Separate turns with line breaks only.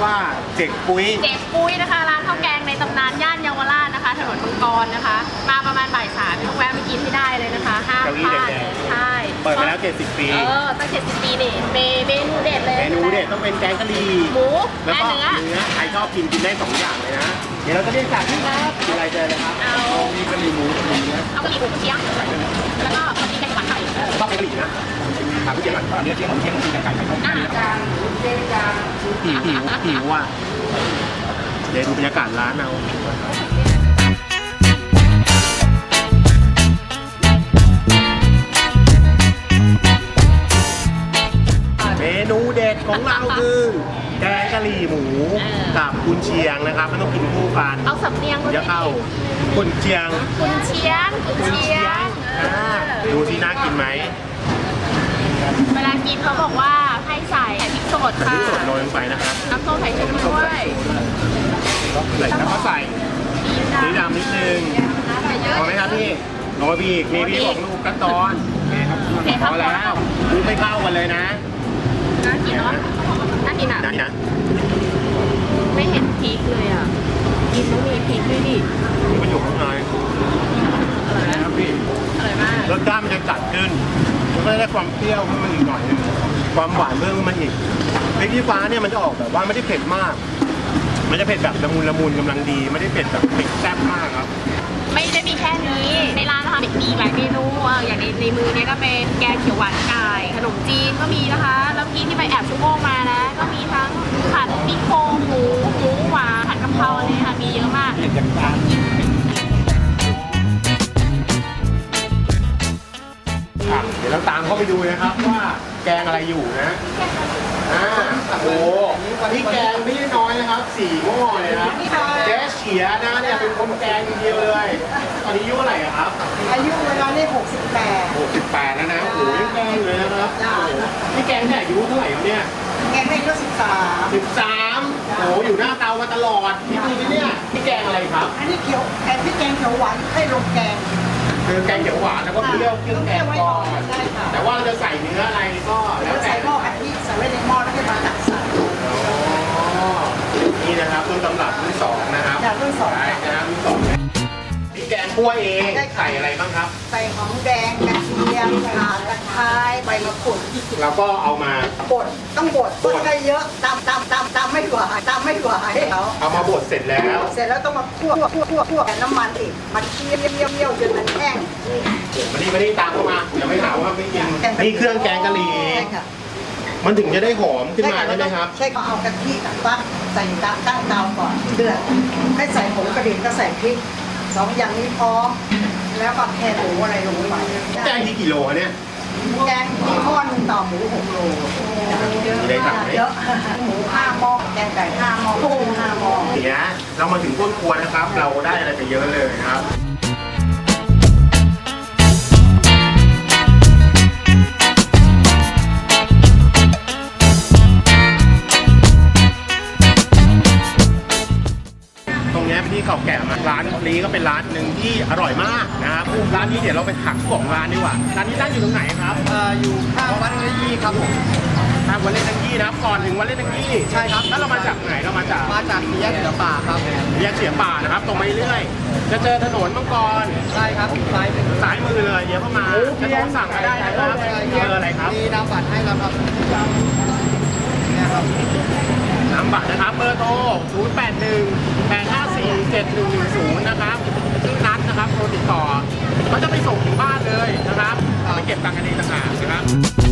ว่าเจ๊กปุ้ย
นะคะร้านข้าวแกงในตำนานย่านเยาวราชนะคะถนนมังกรนะคะมาประมาณบ่ายสามต้องแวะไปกินให้ได้เลยนะคะห้ามพลาดใช่
เปิดมาแล้ว70 ปี
ตั้ง70 ปีนี่เมนูเด็ดเลย
เมนูเด็ดต้องเป็นแกงกะหรี่
หมู
แล้วก็
เนื้อ
ใครชอบกินได้2อย่างเลยนะเดี๋ยวเราจะเรียกสั่งครับอะไรเจอเลยครับ
เอา
มีกะหรี่หมูกะหรี่เนื้อ
เอากะหรี่หมูกระเทียมแล้วก็พอดีแกงหวานไข่
ชอบกะหรี่นะถามพี่เจมส์ก่อนเนื้อเทียมกินกับไก่หิวอ่ะเดี๋ยวดูบรรยากาศร้านเอาเมนูเด็ดของเราคือแกงกะหรี่หมูกับกุนเชียงนะครับมันต้องกินคู่กัน
เอาสำเนียง
จะเข้ากุนเชียงดูสิน่ากินไหม
เวลากินเขาบอกว่าให้ใส่พริกสดค่ะ
พริกสดโรยลงไปนะครับ
น้ำส้มสายชูด้วย
แล้วก็ใส่สีดำนิดนึงพอไหมครับพี่โรยพี่มีพี่ของลูกกระตอนพอแล้วดูไม่เข้ากันเลยนะ
น่ากินเนาะน่ากินอ่ะ
นะ
ไม่เห็นพริกเลยอ่ะกินต้องมีพริกด้วยดิ
มันอยู่ข้างใน
อร่อยนะครับพี่อร่อยมาก
รสชาติมันจะจัดขึ้นมันได้ความเปรี้ยวขึ้นมาอีกหน่อยนึงความหวานเพิ่มขึ้นมาอีกพริกชี้ฟ้าเนี่ยมันจะออกแบบว่าไม่ได้เผ็ดมากมันจะเผ็ดแบบละมุนกำลังดีไม่ได้เผ็ดแบบเผ็ดแซ่บมากครับ
ไม่ได้มีแค่นี้ในร้านนะคะมีหลายเมนูอย่างในมือเนี่ยก็เป็นแกงเขียวหวานไก่ขนมจีนก็มีนะคะแล้วพี่ที่ไปแอบชั่วโมงมานะก็มีทั้งผัดมิโครงหมูหวานผัดกะเพราอะไรค่ะมีเยอะมาก
เดี๋ยวเราตามเข้าไปดูนะครับว่าแกงอะไรอยู่นะโอ้นี่แกงไม่ได้น้อยนะครับ4 หม้อเลยนะแจ๊เฉียนะเนี่ยเป็นคนแกงเดียวเลยตอนนี้อายุเท่าไหร่ครับ
อายุเวลานี่68
แล้วนะโอ้ยแกงเลยนะครับนี่แกงเนี่ยอายุเท่าไหร่ครับเนี่ย
แกงได้ก็
13โอ้อยู่หน้าเตามาตลอดนี่ดูสิเนี่ยนี่แกงอะไรครับ
อันนี้แกงพริกแกงเขียวหวานให้ลงแกง
คือแกงเขียวหวานแล้วก็เปรี้ยวเครื่องแกงก่อนแต่ว่าเราจะใส่เนื้ออะไรก็แล้วแต่
ใส่หม้อกะทิใส่ไว้ในหม้อแล้วก็มาตักใส่
นี่นะครับต้นตำรับรุ่น2นะครับ
รุ่น2
นะครับรุ่น2พี่แกงคั่วเองใส่อะไรบ้างครับ
ใส่หอมแดงกระเทียมข่าตะไคร้ใบมะกรูด
เราก็เอามา
บดต้องบดให้เยอะตำไม่ไหว
เอามาบดเสร็จแล้ว
ต้องมาคั่วน้ำมันอีกมันเคี่ยวจนมันแห้ง
มานี่ตามเข้ามาอย่าไม่ถามว่าไม่กินนี่เครื่องแกงกะหรี่มันถึงจะได้หอมขึ้นมาใช่ไหมครับ
ใช่ก็เอากะทิกับฟักใส่ตั้งเตาก่อนเดือดให้ใส่ผงกระดิ่งก็ใส่พริก2 อย่างนี้พร้อมแล้วก็แค่หมูอะไรลงไป
แกงที่กี่โลเนี่ย
แกงมีหม้อนึงต่อหมู6 โล
ได้สั่งไหม
เยอะหมู5 หม้อแกงไก่5 หม้อกุ้ง5 หม้อ
เนี่ยเรามาถึงต้นครัวนะครับเราได้อะไรไปเยอะเลยครับที่เก่าแก่มาร้านนี้ก็เป็นร้านหนึ่งที่อร่อยมากนะครับร้านนี้เดี๋ยวเราไปถักของร้านดีกว่าร้านนี้ตั้งอยู่ตรงไหนครับ
อยู่ข้างวัดเล่นยี่ครับผม
ทางวัดเล่นยี่นะครับก่อนถึงวัดเล่นยี่
ใช่ครับ
แล้วเรามาจากไหนเรามาจาก
แยกเสือป่าครับ
แยกเสือป่านะครับตรงไปเรื่อยจะเจอถนนมังกร
ใช่ครับ
ซ้ายมือเลยเดี๋ยวเข้ามาจะต้องสั่งก็ได้นะครับเจออะไรครับ
มีน้ำบัตรให้เราครับเนี่ยครับ
น้ำบัตรนะครับเบอร์โทร0818547110นะครับชื่อนัทนะครับโทรติดต่อเขาจะไปส่งถึงบ้านเลยนะครับไปเก็บตังค์กันเองต่างหากนะครับ